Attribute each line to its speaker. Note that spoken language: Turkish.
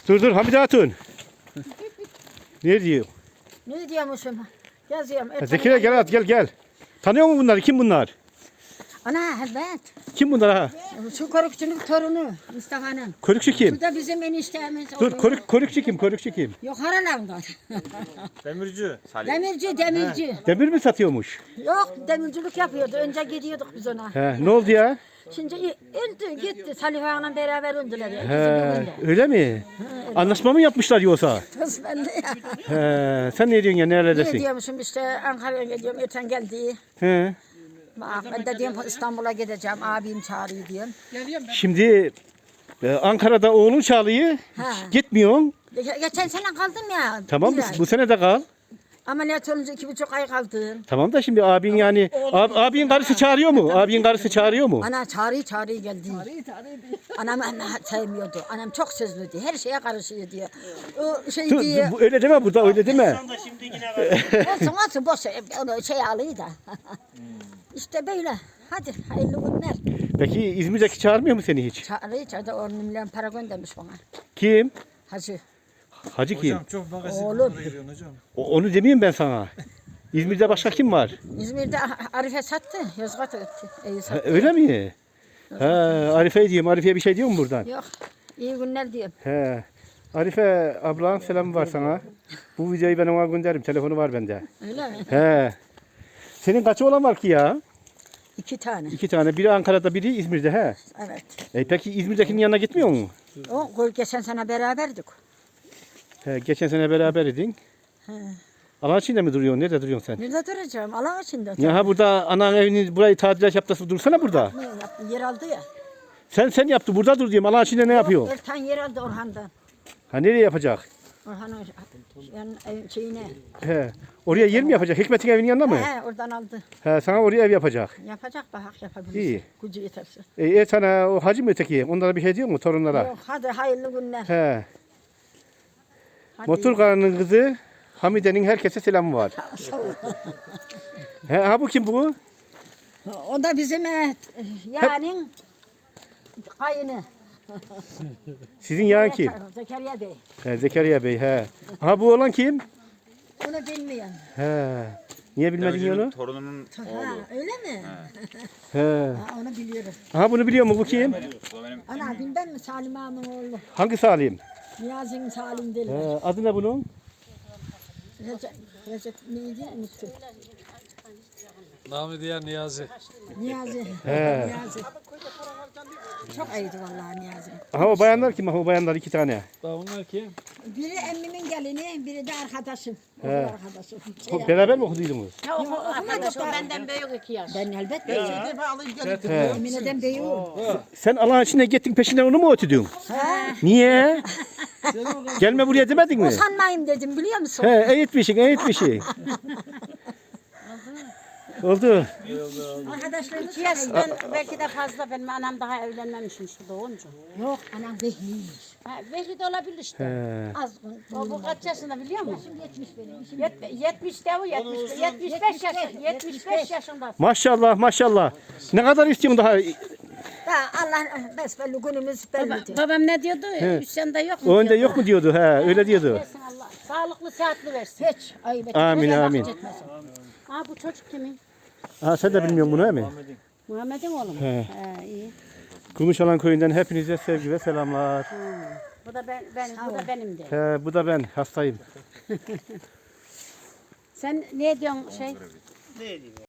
Speaker 1: Dur Hamide Hatun. Ne diyor?
Speaker 2: Ne diyormuşum? Yazıyorum.
Speaker 1: Zekeriya gel at gel. Tanıyor musun bunları? Kim bunlar?
Speaker 2: Ana evet.
Speaker 1: Kim bunlar ha?
Speaker 2: Şu korukçunun torunu Mustafa'nın.
Speaker 1: Körükçü kim?
Speaker 2: Bu da bizim eniştemiz.
Speaker 1: Dur körükçü kim?
Speaker 2: Yok haralamdan.
Speaker 3: Demirci. Salih.
Speaker 2: Demirci.
Speaker 1: Demir mi satıyormuş?
Speaker 2: Yok demircilik yapıyordu. Önce gidiyorduk biz ona.
Speaker 1: He, ne oldu ya?
Speaker 2: Şimdi öldü gitti. Salih Ağa'yla beraber öldüler.
Speaker 1: He, öyle mi? Anlaşma mı yapmışlar yoksa?
Speaker 2: Kız ben de ya.
Speaker 1: He, sen ne diyorsun ya
Speaker 2: Ne
Speaker 1: neredesin?
Speaker 2: diyormuşum işte Ankara'ya gidiyorum. Öten geldi.
Speaker 1: He.
Speaker 2: Bak ben de diyorum İstanbul'a gideceğim. Abim çağırıyor diyorum.
Speaker 1: Şimdi Ankara'da oğlun çağırıyor.
Speaker 2: Ha.
Speaker 1: Gitmiyorsun.
Speaker 2: Geçen sene kaldım ya.
Speaker 1: Tamam
Speaker 2: bir ay.
Speaker 1: bu sene de kal.
Speaker 2: Ameliyat olunca 2,5 ay kaldım.
Speaker 1: Tamam da şimdi abin yani abin karısı çağırıyor mu? Abin karısı çağırıyor mu?
Speaker 2: Ana çağırıyor geldi. Anam sevmiyordu. Anam çok sözlüydü. Her şeye karışıyor diyor. O şey
Speaker 1: Dur,
Speaker 2: diye.
Speaker 1: bu öyle deme burada öyle deme.
Speaker 2: Olsun boş onu şey alıyor da. İşte böyle. Hadi hayırlı günler.
Speaker 1: Peki İzmir'deki çağırmıyor mu seni hiç?
Speaker 2: Çağırıyor. 10 milyon para göndermiş bana.
Speaker 1: Kim?
Speaker 2: Hacı.
Speaker 1: Hacı kim?
Speaker 3: Hocam çok magazin
Speaker 2: Oğlum.
Speaker 3: konulara giriyorsun hocam.
Speaker 1: Onu demeyeyim ben sana. İzmir'de başka kim var?
Speaker 2: İzmir'de Arife sattı. Yozgat'a gitti. İyi
Speaker 1: Ha,
Speaker 2: sattı.
Speaker 1: öyle mi? Ha, Arife diyeyim. Arife'ye bir şey diyor mu buradan?
Speaker 2: Yok. İyi günler diyorum.
Speaker 1: He. Arife ablan selam var sana. Bu videoyu ben ona gönderirim. Telefonu var bende.
Speaker 2: Öyle mi?
Speaker 1: He. Senin kaç oğlan var ki ya?
Speaker 2: 2 tane.
Speaker 1: 2 tane. Biri Ankara'da biri İzmir'de he.
Speaker 2: Evet.
Speaker 1: Peki İzmir'dekinin yanına gitmiyor mu?
Speaker 2: O geçen sene beraberdik.
Speaker 1: He, geçen sene beraber idin.
Speaker 2: He.
Speaker 1: Alan içinde mi duruyorsun? Nerede duruyorsun sen?
Speaker 2: Nerede duracağım? Allah içinde.
Speaker 1: Ya ha burada anan evini burayı tadilat yaptı dursana burada.
Speaker 2: Ne yaptı? Yer aldı ya.
Speaker 1: Sen yaptı burada dur diyorum. Alan içinde ne yapıyor?
Speaker 2: Ertan yer aldı Orhan'dan.
Speaker 1: Ha nereye yapacak?
Speaker 2: Orhan'ın yani şeyine.
Speaker 1: He. Oraya yer mi yapacak? Hikmet'in evinin yanında mı?
Speaker 2: He oradan aldı.
Speaker 1: He, sana oraya ev yapacak.
Speaker 2: Yapacak bak yapabilir.
Speaker 1: İyi.
Speaker 2: Gücü yeterse.
Speaker 1: Sana o hacı mı öteki? Onlara bir şey diyor mu torunlara?
Speaker 2: Yok hadi hayırlı günler.
Speaker 1: He.
Speaker 2: Hadi.
Speaker 1: Motor karının kızı Hamide'nin herkese selamı var.
Speaker 2: Sağ ol.
Speaker 1: He, ha bu kim bu?
Speaker 2: O da bizim yani kayını.
Speaker 1: Sizin yağın kim?
Speaker 2: Zekeriya Bey.
Speaker 1: He, Zekeriya Bey he. Ha bu olan kim?
Speaker 2: Onu bilmiyorum.
Speaker 1: He. Niye bilmedin
Speaker 3: Demirci'nin
Speaker 1: onu?
Speaker 3: torununun
Speaker 2: Ha, öyle mi?
Speaker 1: He.
Speaker 2: Ha, onu biliyorum.
Speaker 1: Ha bunu biliyor mu bu kim?
Speaker 3: o benim
Speaker 2: Ana bilmem mi Salim Ağa'nın oğlu.
Speaker 1: Hangi Salim?
Speaker 2: Niyazi'nin Salim derler.
Speaker 1: He, adı ne bunun?
Speaker 2: Recep neydi? Unuttum.
Speaker 4: Namı diğer Niyazi.
Speaker 2: Niyazi.
Speaker 1: He.
Speaker 2: Niyazi. Çok iyiydi vallahi Niyazi.
Speaker 1: Ha o bayanlar kim? Ha o bayanlar 2 tane.
Speaker 4: Daha bunlar kim?
Speaker 2: Biri emmimin gelini, biri de arkadaşım. Okul
Speaker 1: He.
Speaker 2: arkadaşım.
Speaker 1: Beraber mi okuduydunuz?
Speaker 2: Okumadık da.
Speaker 5: Benden büyük 2 yaş.
Speaker 2: Ben elbette.
Speaker 1: He.
Speaker 2: Emine'den beyi o.
Speaker 1: Sen Allah'ın içine gittin peşinden onu mu ötüdün?
Speaker 2: He.
Speaker 1: Niye? Gelme buraya demedin mi?
Speaker 2: Sanmayayım dedim biliyor musun?
Speaker 1: He, eğitmişsin. Oldu.
Speaker 2: Arkadaşlarımız
Speaker 5: 2 yaşından belki de fazla benim anam daha evlenmemişim şu doğunca.
Speaker 2: yok anam behliymiş.
Speaker 5: Ha, belki de olabilir işte.
Speaker 1: He.
Speaker 2: Az
Speaker 5: O bu kaç yaşında biliyor musun?
Speaker 2: 70 benim.
Speaker 5: 70 de o 75 yaşında. 75 yaşında.
Speaker 1: Maşallah. Ne kadar istiyorsun daha?
Speaker 2: Ya Allah besbelli günümüz bellidir.
Speaker 5: Babam ne diyordu? Hüsyan'da yok mu?
Speaker 1: O önde
Speaker 5: diyordu.
Speaker 1: yok mu diyordu? He, öyle diyordu.
Speaker 5: Versin Allah. Sağlıklı sıhhatli versin.
Speaker 2: Hiç ayıp etmez.
Speaker 1: Amin amin.
Speaker 5: Ha bu çocuk kimin?
Speaker 1: Ha sen de bilmiyorsun bunu değil mi?
Speaker 5: Muhammed'in oğlu mu?
Speaker 1: He.
Speaker 5: He iyi.
Speaker 1: Kumuşalan köyünden hepinize sevgi ve selamlar.
Speaker 5: Bu da bu da benim de.
Speaker 1: He, bu da ben hastayım.
Speaker 5: Sen ne diyorsun şey?